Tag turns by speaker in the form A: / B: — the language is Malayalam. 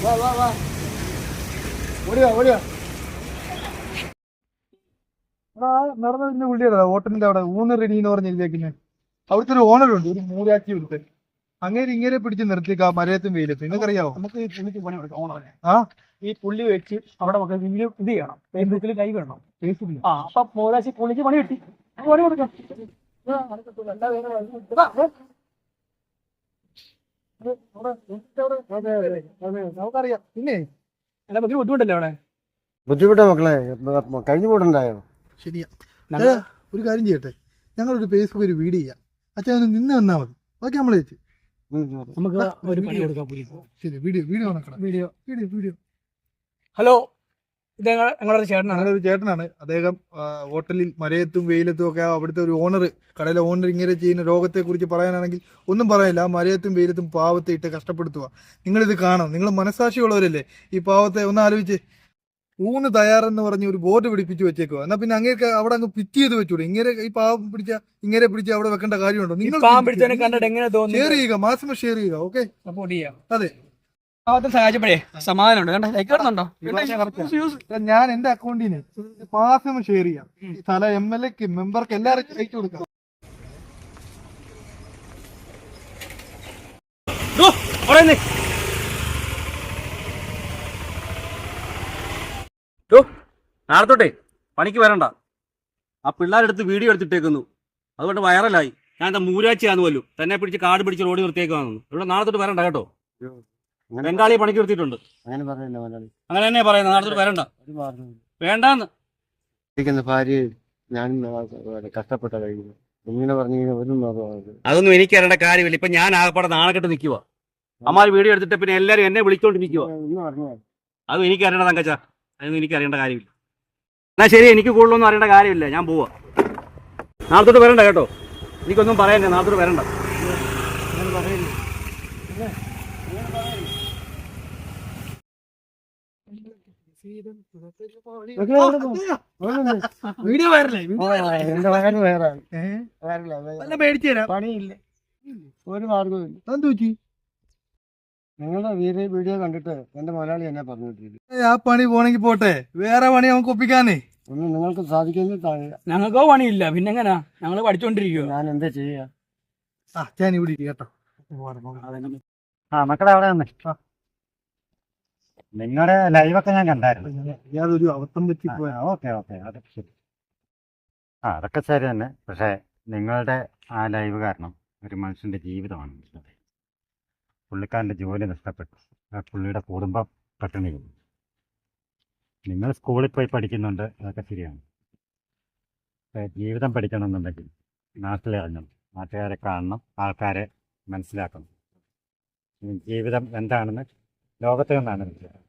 A: ഓടിയാ ഓടിയാ നടന്ന പുള്ളിയുടെ ഹോട്ടലിന്റെ അവിടെ ഊണ് റെഡി എന്ന് പറഞ്ഞിരിക്കുന്നത്. അവിടുത്തെ ഒരു ഓണറുണ്ട്, ഒരു മൂരാച്ചി എടുത്ത് അങ്ങനെ ഇങ്ങനെ പിടിച്ച് നിർത്തിയേക്കാം മരയത്തും വെയിലത്തും. നിങ്ങൾക്കറിയാവോ?
B: നമുക്ക് ഈ പുള്ളിക്ക് പണി കൊടുക്കാം ഓണറിനെ.
A: ആ
B: ഈ പുള്ളി വെച്ച് അവിടെ നമുക്ക് ഇത് ചെയ്യണം, ഫേസ്ബുക്കിൽ ലൈവ് ഇടണം. ആ അപ്പൊ മൂരാശി പുള്ളിക്ക് പണി കിട്ടി, പണി കൊടുക്കാം.
A: നമുക്കറിയാം. പിന്നെ
B: എന്നെ പറ്റി ബുദ്ധിമുട്ടല്ലേ അവിടെ?
C: ബുദ്ധിമുട്ടാ മക്കളെ, കഴിഞ്ഞു പോയിട്ടുണ്ടായോ?
A: ശരിയാ. ഒരു കാര്യം ചെയ്യട്ടെ, ഞങ്ങളൊരു ഫേസ്ബുക്ക് ഒരു വീഡിയോ ചെയ്യാം. അച്ഛൻ ഒന്ന് നിന്ന് വന്നാൽ മതി. ഓക്കെ, നമ്മൾ ചേച്ചി
B: നമുക്ക് ഒരു പണി കൊടുക്കാം.
A: ശരി, വീഡിയോ വീഡിയോ നടക്കണം.
B: വീഡിയോ
A: വീഡിയോ വീഡിയോ
B: ഹലോ, ഇത് ഞങ്ങളുടെ ചേട്ടനാണ്.
A: ഒരു ചേട്ടനാണ്. അദ്ദേഹം ഹോട്ടലിൽ മരയത്തും വെയിലത്തും ഒക്കെ അവിടുത്തെ ഒരു ഓണർ, കടയിലെ ഓണർ ഇങ്ങനെ ചെയ്യുന്ന രോഗത്തെ കുറിച്ച് പറയാനാണെങ്കിൽ ഒന്നും പറയാനില്ല. ആ മരയത്തും വെയിലത്തും പാവത്തെ ഇട്ട് കഷ്ടപ്പെടുത്തുക. നിങ്ങളിത് കാണണം. നിങ്ങൾ മനസാക്ഷിയുള്ളവരല്ലേ? ഈ പാവത്തെ ഒന്ന് ആലോചിച്ച്. ഊണ് തയ്യാറെന്ന് പറഞ്ഞ് ഒരു ബോർഡ് പിടിപ്പിച്ച് വെച്ചേക്കുക. എന്നാ പിന്നെ അങ്ങേക്ക് അവിടെ അങ്ങ് പിറ്റ് ചെയ്ത് വെച്ചൂടെ? ഇങ്ങനെ ഈ പാവം പിടിച്ച അവിടെ വെക്കേണ്ട കാര്യമുണ്ടോ? നിങ്ങൾ ഷെയർ ചെയ്യുക, മാക്സിമം ഷെയർ ചെയ്യുക. ഓക്കെ,
B: സപ്പോർട്ട് ചെയ്യാം.
A: അതെ.
B: സഹായിച്ചപ്പോഴേ സമാധാനമുണ്ട്.
A: ഞാൻ എന്റെ അക്കൗണ്ടിന് മാക്സിമം ഷെയർ ചെയ്യാം. സ്ഥല MLA ക്ക് മെമ്പർക്ക് എല്ലാവർക്കും അയച്ചു കൊടുക്കാം.
D: നാളത്തോട്ടെ പണിക്ക് വരണ്ട. ആ പിള്ളേരെടുത്ത് വീഡിയോ എടുത്തിട്ടേക്കുന്നു, അതുകൊണ്ട് വൈറലായി. ഞാൻ എന്താ മൂരാച്ചിയാന്ന് പോലും തന്നെ പിടിച്ച് കാട് പിടിച്ച് റോഡ് നിർത്തിയേക്കാന്നു. ഇവിടെ നാളത്തോട്ട് വരണ്ട കേട്ടോ. ബംഗാളി പണിക്ക് നിർത്തിയിട്ടുണ്ട്. അങ്ങനെ തന്നെ പറയുന്നത്. നാളത്തോട്ട് വരണ്ട, വേണ്ടാന്ന്.
C: ഭാര്യ ഞാനും കഷ്ടപ്പെട്ട കഴിയുന്നു. ഇങ്ങനെ പറഞ്ഞു
D: അതൊന്നും എനിക്ക് അറിയേണ്ട കാര്യമില്ല. ഇപ്പൊ ഞാൻ ആകപ്പാടെ നാണക്കെട്ട് നിൽക്കുക. അമ്മാര് വീഡിയോ എടുത്തിട്ട് പിന്നെ എല്ലാരും എന്നെ വിളിച്ചോണ്ടിരിക്കുക. അതും എനിക്ക് അറിയണ്ട തങ്കച്ച, അതൊന്നും എനിക്ക് അറിയേണ്ട കാര്യമില്ല. എന്നാ ശരി, എനിക്ക് കൂടുതലൊന്നും അറിയേണ്ട കാര്യമില്ല. ഞാൻ പോവാ. നാളത്തോട്ട് വരണ്ട കേട്ടോ. എനിക്കൊന്നും പറയാനില്ല. നാളത്തോട്ട് വരണ്ട.
B: വീഡിയോ വൈറലായി.
A: മേടിച്ചു തരാം.
C: പണിയില്ല, ഒരു മാർഗവും ഇല്ല. നിങ്ങളുടെ വീഡിയോ കണ്ടിട്ട് എന്റെ മുതലാളി എന്നെ പറഞ്ഞിട്ടില്ല.
A: ആ പണി പോണെങ്കി പോട്ടെ, വേറെ പണി നമുക്ക് ഒപ്പിക്കാന്നേ.
C: ഒന്നും നിങ്ങൾക്ക് സാധിക്കുന്ന
B: ഞങ്ങൾക്കോ പണിയില്ല, പിന്നെ എങ്ങനാ? ഞങ്ങള് പഠിച്ചോണ്ടിരിക്കുക.
C: ഞാൻ എന്താ ചെയ്യാ?
A: ഞാൻ ഇവിടെ കേട്ടോ.
C: മക്കളെ അവിടെ വന്നേ. നിങ്ങളുടെ ലൈവൊക്കെ ഞാൻ കണ്ടായിരുന്നു.
A: യാതൊരു അബദ്ധം പറ്റി പോയാ.
C: ഓക്കെ അതൊക്കെ ശരി. അതൊക്കെ ശരി തന്നെ. പക്ഷെ നിങ്ങളുടെ ആ ലൈവ് കാരണം ഒരു മനുഷ്യന്റെ ജീവിതമാണ് നഷ്ടപ്പെട്ടത്. പുള്ളിക്കാരൻ്റെ ജോലി നഷ്ടപ്പെട്ടു. പുള്ളിയുടെ കുടുംബം പട്ടിണി പോകും. നിങ്ങൾ സ്കൂളിൽ പോയി പഠിക്കുന്നുണ്ട്, അതൊക്കെ ശരിയാണ്. ജീവിതം പഠിക്കണമെന്നുണ്ടെങ്കിൽ നാട്ടിലിറങ്ങണം, നാട്ടുകാരെ കാണണം, ആൾക്കാരെ മനസ്സിലാക്കണം. ജീവിതം എന്താണെന്ന് ലോകത്തിൽ നിന്നാണ് മനസ്സിലാക്കുന്നത്.